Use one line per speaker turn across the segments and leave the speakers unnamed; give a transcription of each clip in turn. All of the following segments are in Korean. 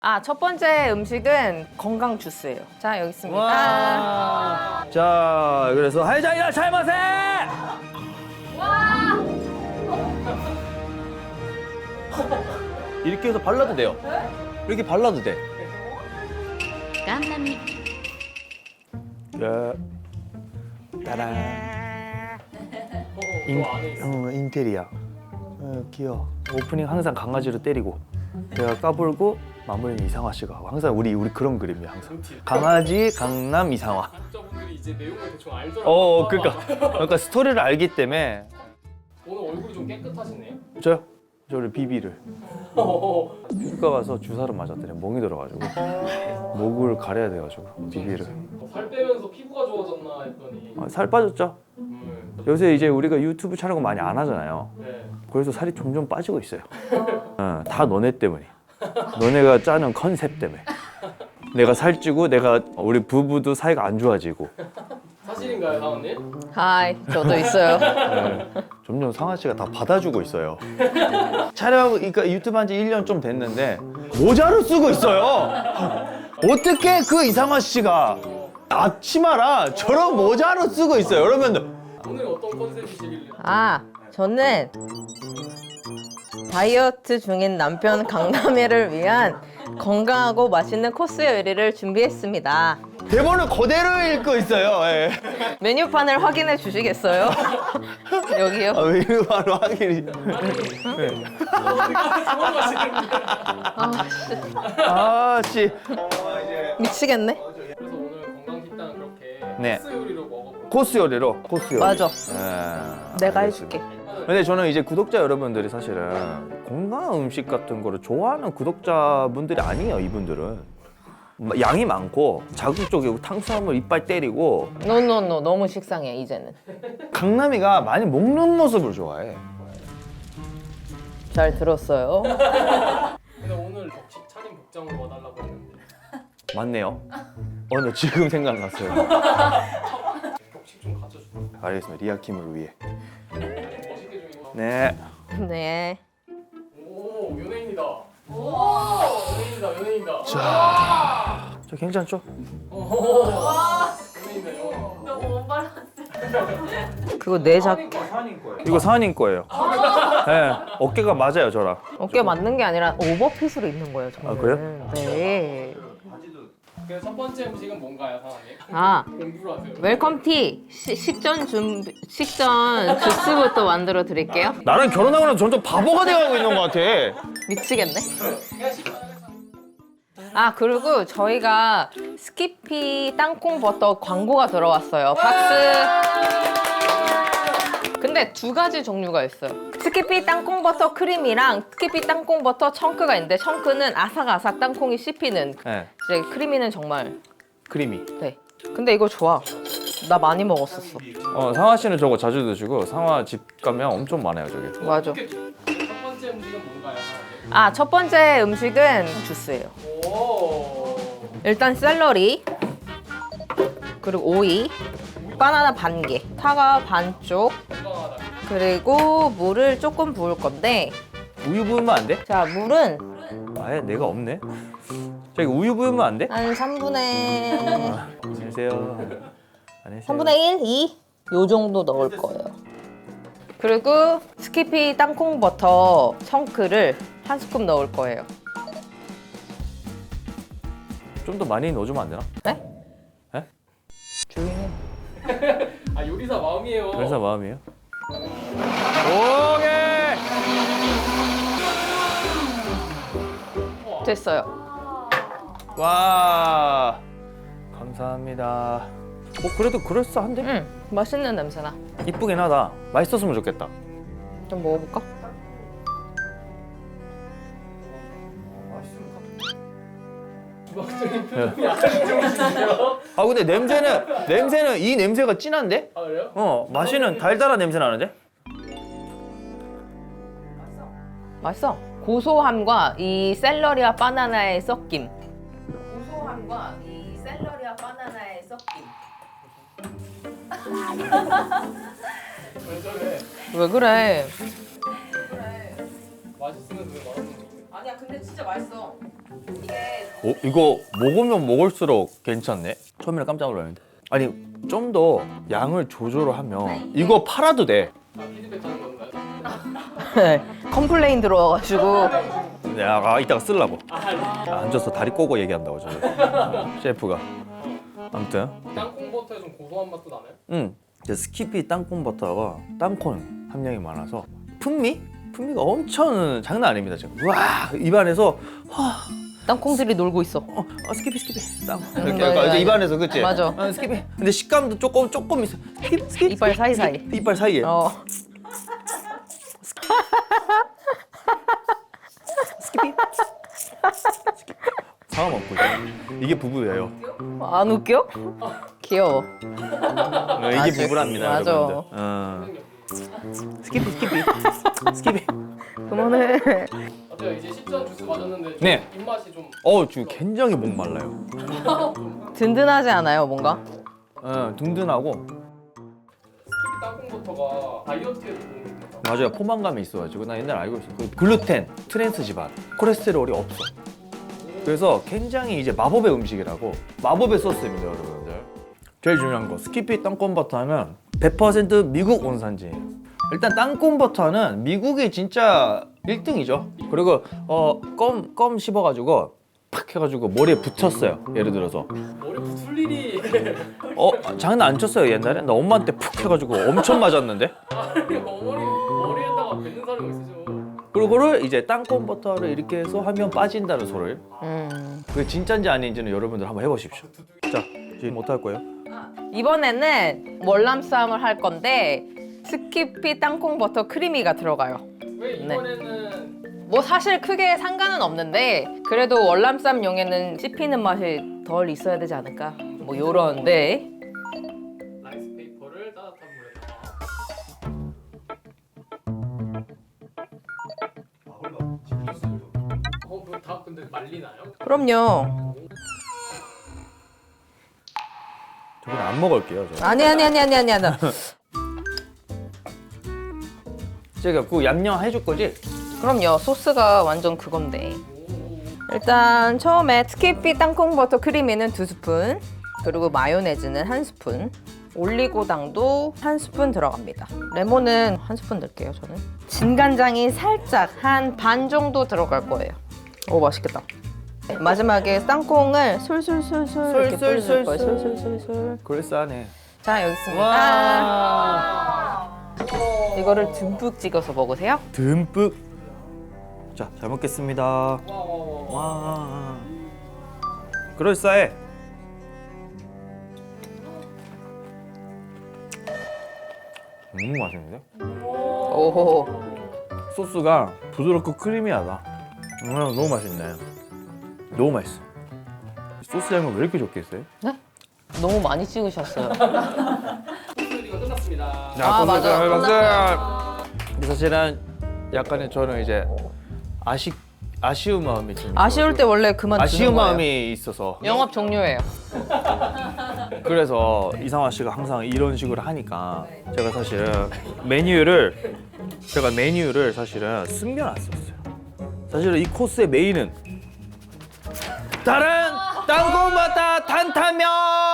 첫 번째 음식은 건강 주스예요. 자, 여기 있습니다.
와. 자, 그래서 하이자이라 잘마세! 이렇게 해서 발라도 돼요. 이렇게 발라도 돼.
깜깜이
야. 따란. 인테리어. 귀여워. 오프닝 항상 강아지로 때리고 내가 까불고 마무리는 이상화 씨가 하고 항상 우리 그런 그림이야 항상. 강아지 강남 이상화.
구독자분들이 이제 내용을 대충 알더라고요.
그러니까 스토리를 알기 때문에.
오늘 얼굴이 좀 깨끗하시네요.
저를 비비를 피부과 가서 주사를 맞았더니 멍이 들어가지고 목을 가려야 돼가지고 비비를.
살 빼면서 피부가 좋아졌나 했더니
살 빠졌죠? 요새 이제 우리가 유튜브 촬영을 많이 안 하잖아요.
네.
그래서 살이 점점 빠지고 있어요. 다 너네 때문에. 너네가 짜는 컨셉 때문에. 내가 살찌고 우리 부부도 사이가 안 좋아지고.
사실인가요, 사원님?
하이, 저도 있어요.
점점 상아 씨가 다 받아주고 있어요. 그러니까 유튜브 한 지 1년 좀 됐는데 모자를 쓰고 있어요. 어떻게 그 이상화 씨가 앞치마라 저런 모자를 쓰고 있어요. 여러분들.
오늘 어떤 컨셉이시길래?
저는 다이어트 중인 남편 강남애를 위한 건강하고 맛있는 코스 요리를 준비했습니다.
대본을 그대로 읽고 있어요. 예.
메뉴판을 확인해 주시겠어요? 여기요.
이거 바로 확인이. 씨.
미치겠네.
그래서 오늘 건강식단 그렇게
네.
코스 요리로 먹어볼게요.
코스 요리로.
맞아.
예.
내가
알겠습니다.
해줄게.
근데 저는 이제 구독자 여러분들이 사실은 건강한 음식 같은 거를 좋아하는 구독자분들이 아니에요. 이분들은 양이 많고 자극적이고 탄수화물 이빨 때리고
노노노 너무 식상해 이제는.
강남이가 많이 먹는 모습을 좋아해.
잘 들었어요.
근데 오늘 격식 차림 복장으로 와달라고 했는데
맞네요. 나 지금 생각났어요.
격식 좀 갖춰주세요.
알겠습니다. 리아킴을 위해.
멋있게 좀 입어.
네.
네.
오, 연예인이다. 연예인이다.
저 괜찮죠?
연예인이다, 연예인.
그거 내
이거 사장님 거예요. 네. 어깨가 맞아요, 저랑.
어깨 맞는 게 아니라 오버핏으로 입는 거예요, 저는.
그래요?
네.
그래서 첫 번째 음식은 뭔가요, 사장님? 공부를 하세요.
웰컴 티 식전 주스부터 만들어 드릴게요.
나랑 결혼하고 나서 점점 바보가 돼가고 있는 것 같아.
미치겠네. 그리고 저희가 스키피 땅콩 버터 광고가 들어왔어요. 박수. 근데 두 가지 종류가 있어요. 스키피 땅콩 버터 크림이랑 스키피 땅콩 버터 청크가 있는데 청크는 아삭아삭 땅콩이 씹히는.
네.
이제 크리미는 정말.
크리미.
네. 근데 이거 좋아. 나 많이 먹었었어.
상화 씨는 저거 자주 드시고 상화 집 가면 엄청 많아요, 저기.
맞아.
첫 번째 음식은 뭔가요, 사장님?
첫 번째 음식은 주스예요.
오.
일단 샐러리, 그리고 오이, 바나나 반 개, 사과 반쪽,
건강하다.
그리고 물을 조금 부을 건데,
우유 부으면 안 돼?
자, 물은
아예 내가 없네. 저기 우유 부으면 안 돼?
한 3분의
안녕하세요. 안녕하세요.
3분의 1, 2? 요 정도 넣을 거예요. 그리고 스키피 땅콩 버터 청크를 한 스쿱 넣을 거예요.
좀 더 많이 넣어주면 안 되나?
네?
네?
조용히 해.
요리사 마음이에요.
그래서 마음이에요. 오케이.
됐어요.
와. 감사합니다. 그래도 그럴싸한데?
맛있는 냄새나.
이쁘긴 하다. 맛있었으면 좋겠다.
좀 먹어볼까?
주방적인 표정이 아주 좋으시네요.
근데 냄새는 이 냄새가 진한데?
그래요?
맛이는 달달한 냄새 나는데?
맛있어. 고소함과 이 샐러리와 바나나의 섞임. 고소함과 이 샐러리와 바나나의 섞임.
왜 저래?
왜 그래?
맛있으면 왜 말하는 거지?
아니야 근데 진짜 맛있어. 이게
이거 먹으면 먹을수록 괜찮네. 처음에는 깜짝 놀랐는데. 아니 좀 더 양을 조절을 하면 이거 팔아도 돼.
피드백 하는 건가요?
컴플레인 들어와가지고
내가 이따가 쓰려고. 앉아서 다리 꼬고 얘기한다고 저 셰프가. 아무튼
땅콩 버터에 좀 고소한 맛도 나나요?
이제 스키피 땅콩 버터가 땅콩 함량이 많아서 풍미가 엄청 장난 아닙니다 지금. 와 입안에서
땅콩들이 놀고 있어.
스키피 땅콩 이렇게
맞아,
약간
맞아.
입안에서 그치?
맞아.
스키피. 근데 식감도 조금 있어. 스키피.
이빨 사이사이.
이빨 사이에. 스키피. 상어 먹고 있어. 이게 부부예요.
안 웃겨? 귀여워.
이게
아주,
부부랍니다,
맞아.
여러분들. 스키피.
그만해.
어때요? 이제 10전 주스 마셨는데 좀
네.
입맛이 좀
지금 굉장히 목 말라요.
든든하지 않아요 뭔가?
든든하고.
스키피 땅콩 버터가 다이어트에도 도움이 된다.
맞아요. 포만감이 있어가지고 나 옛날에 알고 있어. 그 글루텐, 트랜스 지방, 콜레스테롤이 없어. 그래서 굉장히 이제 마법의 음식이라고. 마법의 소스입니다, 여러분들. 제일 중요한 거 스키피 땅콩 버터는 100% 미국 원산지예요. 일단 땅콩 버터는 미국이 진짜 1등이죠. 그리고 껌 씹어가지고 팍 해가지고 머리에 붙였어요. 예를 들어서
머리 붙을 일이
장난 안 쳤어요 옛날에. 나 엄마한테 푹 해가지고 엄청 맞았는데.
머리에다가 뱉는 사람이 있으죠.
그거를 이제 땅콩 버터를 이렇게 해서 하면 빠진다는 소리를. 그게 진짜인지 아닌지는 여러분들 한번 해보십시오. 자 지금 어떡할 거예요?
이번에는 월남쌈을 할 건데 스키피 땅콩 버터 크리미가 들어가요.
왜 이번에는
뭐 사실 크게 상관은 없는데 그래도 월남쌈용에는 씹히는 맛이 덜 있어야 되지 않을까? 뭐 요런데
라이스 페이퍼를 따뜻한 물에다가 다 근데 말리나요?
그럼요.
저는 안 먹을게요. 저.
아니.
제가 그 얌얌 해줄 거지?
그럼요. 소스가 완전 그건데. 일단 처음에 스키피 땅콩 버터 크리미는 2스푼, 그리고 마요네즈는 1스푼, 올리고당도 1스푼 들어갑니다. 레몬은 1스푼 넣을게요, 저는. 진간장이 살짝 한 반 정도 들어갈 거예요. 오, 맛있겠다. 마지막에 땅콩을 솔솔솔솔 이렇게 뿌려줄 거예요. 솔솔솔솔.
그럴싸하네.
자, 여기 있습니다.
와.
이거를 듬뿍 찍어서 먹으세요.
듬뿍. 자, 잘 먹겠습니다.
와.
와. 그럴싸해. 맛있는데?
오호.
소스가 부드럽고 크리미하다. 너무 맛있네. 너무 맛있어. 소스 양을 왜 이렇게 적게 했어요?
네? 너무 많이 찍으셨어요.
이거 끝났습니다.
아, 맞아.
박수. 근데 사실은 약간의 저는 이제 아쉬운 마음이 좀
아쉬울 때 원래 그만
아쉬운
두는 거예요.
마음이 있어서
영업 종료예요.
그래서 이상화 씨가 항상 이런 식으로 하니까 제가 사실은 메뉴를 사실은 숨겨놨었어요. 사실은 이 코스의 메인은 다른 땅콩버터 탄탄면.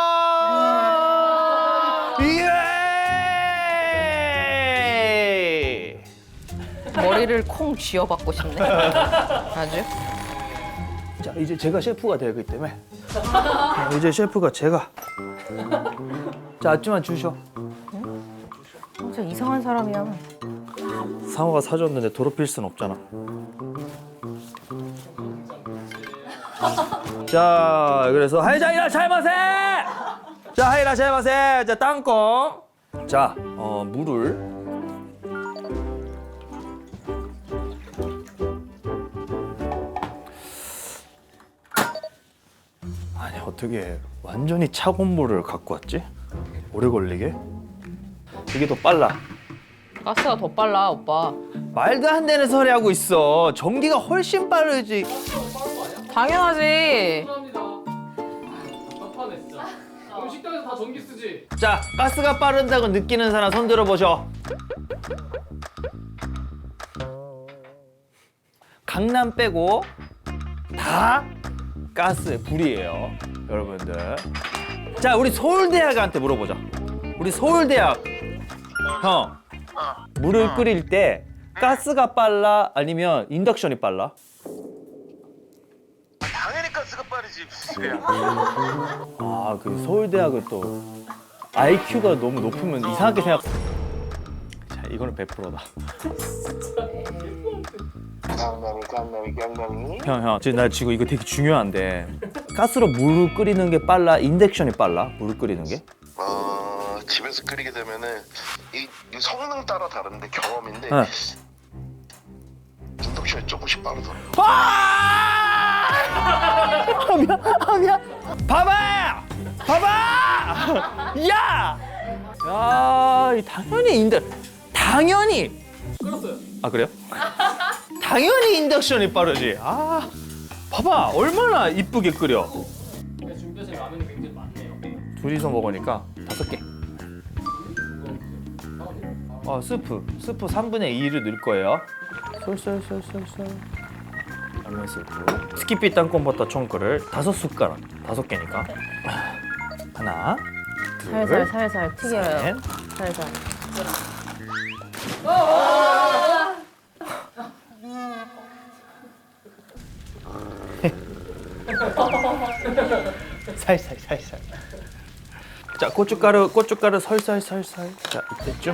예!
머리를 콩 쥐어받고 싶네. 아주.
자 이제 제가 셰프가 되기 때문에 이제 셰프가 제가 자 앞치만 주셔.
진짜 이상한 사람이야.
상어가 사줬는데 더럽힐 순 없잖아. 자 그래서 하이자 이라샤이마세. 자 하이라샤이마세. 자 땅콩. 자 물을. 아니 어떻게 완전히 차가운 물을 갖고 왔지? 오래 걸리게? 이게 더 빨라.
가스가 더 빨라, 오빠.
말도 안 되는 소리 하고 있어. 전기가 훨씬 빠르지.
당연하지.
감사합니다. 답답하네 진짜. 식당에서 다 전기 쓰지.
자, 가스가 빠른다고 느끼는 사람 손 들어보셔. 강남 빼고 다 가스 불이에요, 여러분들. 자, 우리 서울대학한테 물어보자. 우리 서울대학 형, 물을 끓일 때 가스가 빨라 아니면 인덕션이 빨라?
당연히 가스가 빠르지.
아, 그 서울대학은 또 IQ가 너무 높으면 이상하게 생각. 자, 이거는 100%다.
강남이.
형, 지금 나 지금 이거 되게 중요한데 가스로 물을 끓이는 게 빨라, 인덕션이 빨라? 물을 끓이는 게?
집에서 끓이게 되면은 이 성능 따라 다른데 경험인데
네.
인덕션이 조금씩 빠르더라고.
미안. 봐봐! 야! 야, 당연히.
끌었어요.
아, 그래요? 당연히 인덕션이 빠르지. 아, 봐봐, 얼마나 이쁘게 끓여.
근데 준비하신 라면이 굉장히 많네요.
둘이서 먹으니까 5개. 스프 3분의 2를 넣을 거예요. 솔솔. 라면 스프. 스키피 땅콩버터 총크를 5숟가락, 5개니까. 하나, 둘,
살살 튀겨요.
셋.
살살.
살살. 자, 고춧가루 살살. 자, 이때쯤.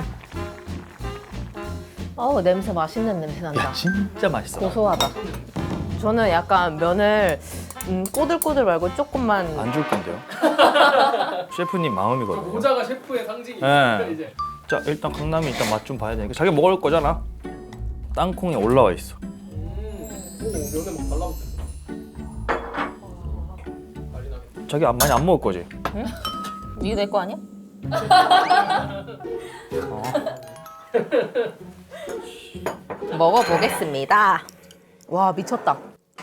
어우, 냄새 맛있는 냄새 난다.
야, 진짜 맛있어.
고소하다. 저는 약간 면을 꼬들꼬들 말고 조금만.
안 줄 건데요. 셰프님 마음이거든요.
모자가 셰프의 상징이
네.
이제.
자, 일단 강남이 일단 맛 좀 봐야 되니까 자기 먹을 거잖아. 땅콩이 올라와 있어.
오, 면에 막 달라붙었어. 난리 나겠다.
자기 많이 안 먹을 거지?
이거 내 거 아니야? 먹어보겠습니다. 와, 미쳤다.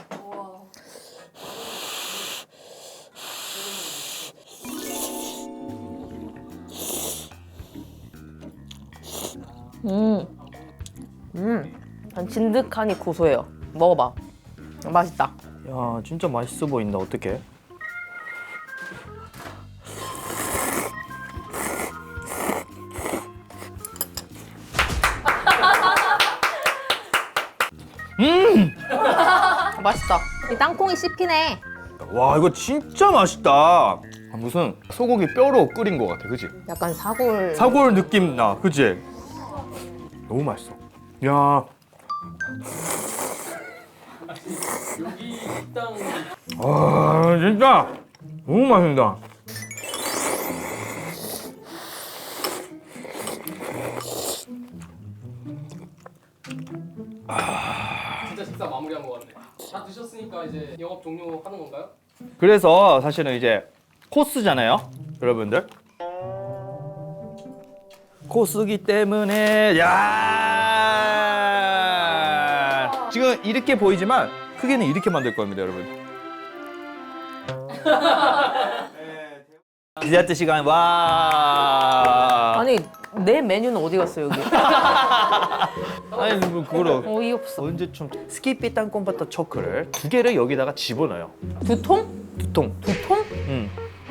진득하니 고소해요. 먹어봐. 맛있다.
야, 진짜 맛있어 보인다. 어떡해?
맛있다. 이 땅콩이 씹히네.
와, 이거 진짜 맛있다. 아, 무슨 소고기 뼈로 끓인 것 같아, 그지?
약간 사골.
사골 느낌 나, 그지? 너무 맛있어. 야,
여기 식당
아, 진짜 너무 맛있다.
진짜 식사 마무리한 것 같네. 다 드셨으니까 이제 영업 종료하는 건가요?
그래서 사실은 이제 코스잖아요, 여러분들. 코스기 때문에 야, 지금 이렇게 보이지만 크게는 이렇게 만들 겁니다, 여러분. 디저트 시간. 와.
아니, 내 메뉴는 어디 갔어, 여기?
아니, 뭐 그거로
어이없어.
언제쯤 스키피 땅콩버터 초크를 2개를 여기다가 집어넣어요.
2통?
2통.
2통?
응.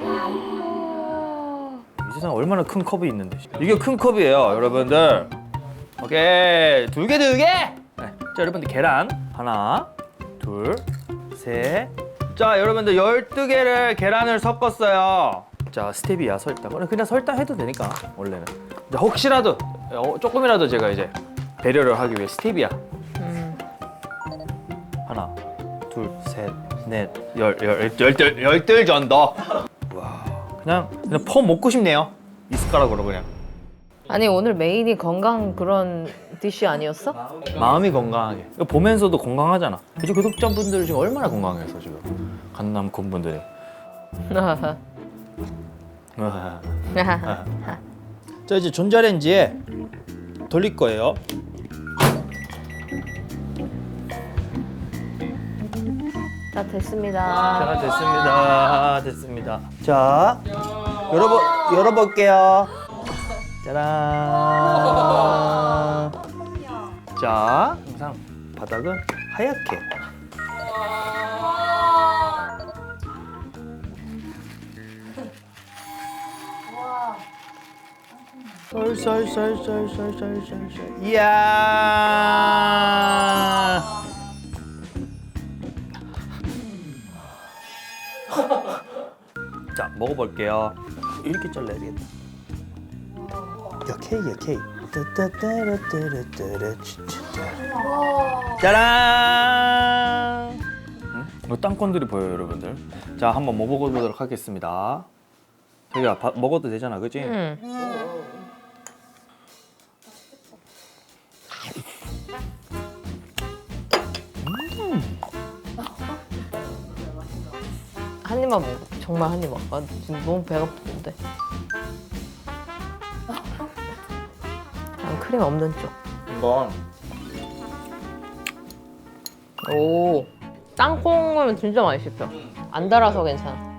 이 세상에 얼마나 큰 컵이 있는데. 이게 큰 컵이에요, 여러분들. 오케이, 2개. 네. 자, 여러분들 계란 하나, 둘, 셋. 자, 여러분들 12개를 계란을 섞었어요. 자, 스테비아 설탕. 그냥 설탕 해도 되니까 원래는. 이제 혹시라도 조금이라도 제가 이제 배려를 하기 위해 스테비아. 하나, 둘, 셋, 넷, 열둘 정도. 와, 그냥 퍼 먹고 싶네요. 이 숟가락으로 그냥.
아니, 오늘 메인이 건강 그런 디쉬 아니었어?
마음이 건강하게. 이거 보면서도 건강하잖아. 이제 구독자분들 지금 얼마나 건강해서 지금 강남 곰분들이. 자, 이제 전자레인지에 돌릴 거예요.
자, 됐습니다.
자, 됐습니다. 자, 열어볼게요. 짜란. 자, 항상 바닥은 하얗게. 썰썰썰썰썰썰썰. 이야. 자, 먹어볼게요. 이렇게 잘라야 되겠다. 야, K야, K. 짜란! 이 땅콩들이 보여요, 여러분들. 자, 한번 먹어보도록 하겠습니다. 자기야, 먹어도 되잖아, 그치?
응. 한 입만 먹어. 정말 한 입만. 아, 지금 너무 배가 고픈데. 난 크림 없는 쪽.
이건
오, 땅콩은 진짜 많이 씹혀. 안 달아서 괜찮아.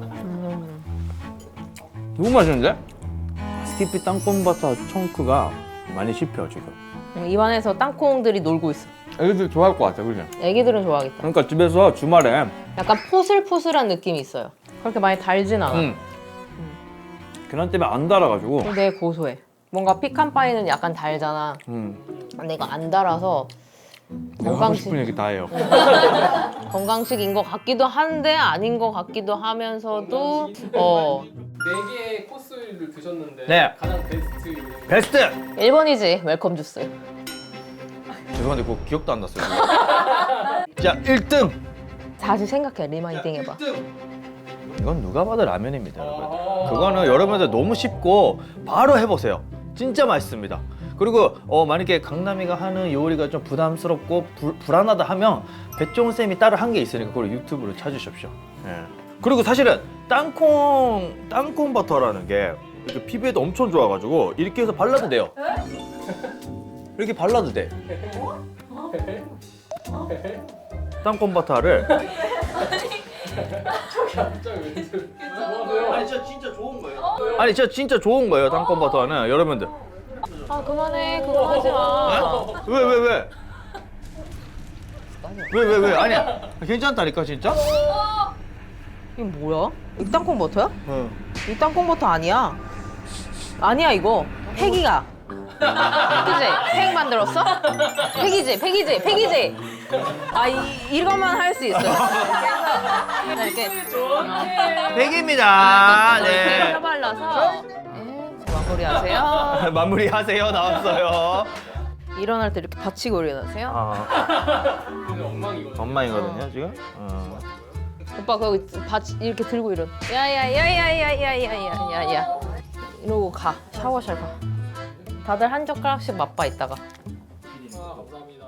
너무 맛있는데? 스키피 땅콩버터 청크가 많이 씹혀, 지금.
입안에서 땅콩들이 놀고 있어.
애기들 좋아할 것 같아, 그지?
애기들은 좋아하겠다.
그러니까 집에서 주말에
약간 포슬포슬한 느낌이 있어요. 그렇게 많이 달진 않아.
계란 때문에 안 달아가지고
근데 고소해. 뭔가 피칸 파이는 약간 달잖아. 근데 이거 안 달아서
내가 하고 싶은 얘기 다 해요.
건강식인 것 같기도 한데 아닌 것 같기도 하면서도
4개의 코스를 드셨는데
네.
가장 베스트 요리.
베스트!
1번이지 웰컴 주스.
죄송한데 그거 기억도 안 났어요. 지금. 자, 1등!
다시 생각해. 리마인딩 해봐.
이건 누가 봐도 라면입니다, 여러분. 그거는 여러분들 너무 쉽고 바로 해보세요. 진짜 맛있습니다. 그리고 만약에 강남이가 하는 요리가 좀 부담스럽고 불안하다 하면 백종원 쌤이 따로 한 게 있으니까 그걸 유튜브로 찾으십시오. 예. 그리고 사실은 땅콩 버터라는 게 이렇게 피부에도 엄청 좋아가지고 이렇게 해서 발라도 돼요. 이렇게 발라도 돼. 땅콩 버터를
아니
아니 진짜 좋은 거예요. 땅콩 버터는 여러분들.
아 그만해. 그거 하지 마.
왜? 아니야. 괜찮다니까 진짜?
이게 뭐야? 이 땅콩 버터야?
응.
이 땅콩 버터 아니야. 아니야 이거. 팩이가. 그지? 팩 만들었어? 팩이지. 아 이것만 할 수 있어요. 그래서 이렇게
백입니다. 네.
발라서 마무리하세요.
마무리하세요. 나왔어요.
일어날 때 이렇게 받치고 일어나세요.
오늘 엉망이거든요.
엄마이거든요 지금.
오빠 거기 이렇게 들고 일어나. 야야야야야야야야야. 이러고 가. 샤워실 가. 다들 한 젓가락씩 맛봐 있다가.
감사합니다.